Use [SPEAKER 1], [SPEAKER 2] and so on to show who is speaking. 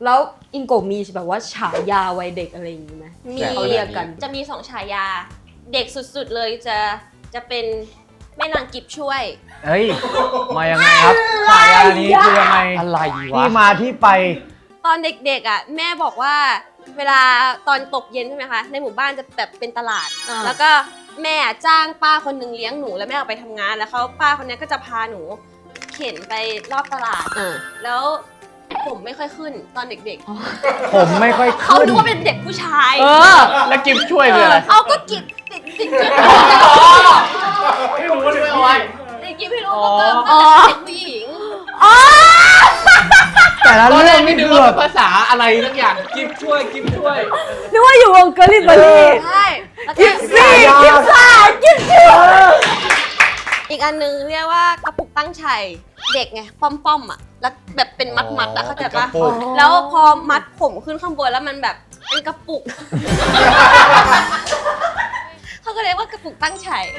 [SPEAKER 1] แล้วอิงโกะมีแบบว่าฉายาวัยเด็กอะไรอย่างนี้ไหม
[SPEAKER 2] มี
[SPEAKER 1] เขาเรียกกัน
[SPEAKER 2] จะมี2 ฉายาเด็กสุดๆเลยจะเป็นแม่นางกิบช่วย
[SPEAKER 3] เฮ้ยมายังไงครับฉายานี้คือยังไง
[SPEAKER 4] อะไรวะ
[SPEAKER 3] ที่มาที่ไป
[SPEAKER 2] ตอนเด็กๆอ่ะแม่บอกว่าเวลาตอนตกเย็นใช่ไหมคะในหมู่บ้านจะแบบเป็นตลาด แล้วก็แม่จ้างป้าคนหนึ่งเลี้ยงหนูแล้วแม่ออกไปทำงานแล้วป้าคนนี้ก็จะพาหนูเข็นไปรอบตลาดแล้วผมไม่ค่อยขึ้นตอนเด็ก
[SPEAKER 3] ผมไม่ค่อย
[SPEAKER 2] ๆเขา
[SPEAKER 3] ขึ้น
[SPEAKER 2] นึกว่าเป็นเด็กผู้ชาย
[SPEAKER 4] แล้วกิฟช่วยคืออะไร
[SPEAKER 2] เอาก็กิบติดกิบ
[SPEAKER 4] ไม่รู้ว่าช่วยเอาไว้
[SPEAKER 2] ติดกิบให้รู้ว่าเป็นเด็กผู้หญิง
[SPEAKER 3] แต่ละ
[SPEAKER 4] ตอนแร
[SPEAKER 3] เรื่อง
[SPEAKER 4] กไม่
[SPEAKER 3] นี่
[SPEAKER 4] นึก
[SPEAKER 3] คือ
[SPEAKER 4] ว่า
[SPEAKER 3] แบบ
[SPEAKER 4] ภาษาอะไรสักอย่างกิฟช่วยกิฟช่วย
[SPEAKER 1] นึกว่าอยู่วงเกอร์ลิเบอรี่
[SPEAKER 2] ใช่แล้วก็
[SPEAKER 1] กิฟซ่ากิฟซี่
[SPEAKER 2] อีกอันนึงเรียกว่ากระปุกตั้งชัยเด็กไงป้อมๆอ่ะแล้วแบบเป็นมัดๆอ่ะเข้าใจปะแล้วพอมัดผมขึ้นข้างบนแล้วมันแบบเป็นกระปุก เขาก็เรียกว่ากระปุกตั้งชัย